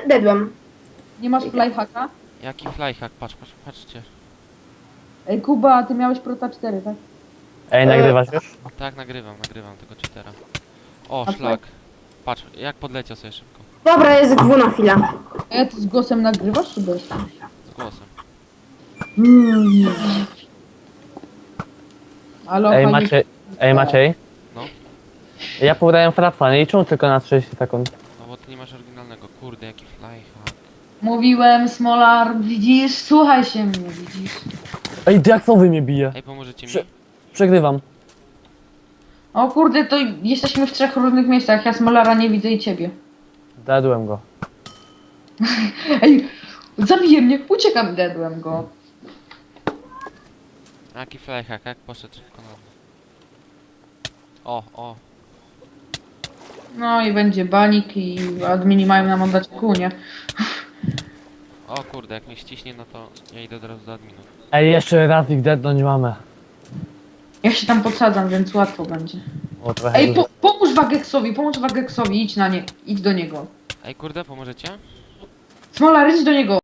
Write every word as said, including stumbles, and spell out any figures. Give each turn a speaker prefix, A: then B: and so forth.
A: dedłem.
B: Nie masz flyhacka?
C: Jaki flyhack, patrz, patrz, patrzcie.
B: Ej, Kuba, ty miałeś Prota cztery, tak?
D: Ej, nagrywasz już?
C: Tak, nagrywam, nagrywam tego cheatera. O,
B: A
C: szlak. Patrz, jak podleciał sobie szybko.
A: Dobra, jest dwu na chwilę.
B: A ty z głosem nagrywasz, czy bez?
C: Z głosem.
B: Mm. Alo,
D: Ej,
B: Hali-
D: Maciej, ej, Maciej.
C: No.
D: Ja podałem frapsa, nie liczą tylko na trzydzieści sekund.
C: No bo ty nie masz oryginalnego. Kurde, jaki flyhack.
B: Mówiłem, Smolar, widzisz? Słuchaj się mnie, widzisz?
D: Ej, diaksowy mnie bije.
C: Ej, pomożecie mi?
D: Prze- Przegrywam.
B: O kurde, to jesteśmy w trzech różnych miejscach. Ja Smolara nie widzę i ciebie.
D: Dadłem go.
B: Ej, zabije mnie, uciekam, dedłem go.
C: Jaki flyhack, jak poszedł szybko na mnie. O, o.
B: No i będzie banik i admini mają nam oddać kunię.
C: O kurde, jak mnie ściśnie, no to ja idę od razu do adminów.
D: Ej, jeszcze raz ich deadnąć mamy.
B: Ja się tam podsadzam, więc łatwo będzie.
D: O, trochę
B: Ej,
D: dużo.
B: po, pomóż Wageksowi, pomóż Wageksowi, idź na nie, idź do niego.
C: Ej, kurde, pomożecie?
B: Smolar, idź do niego.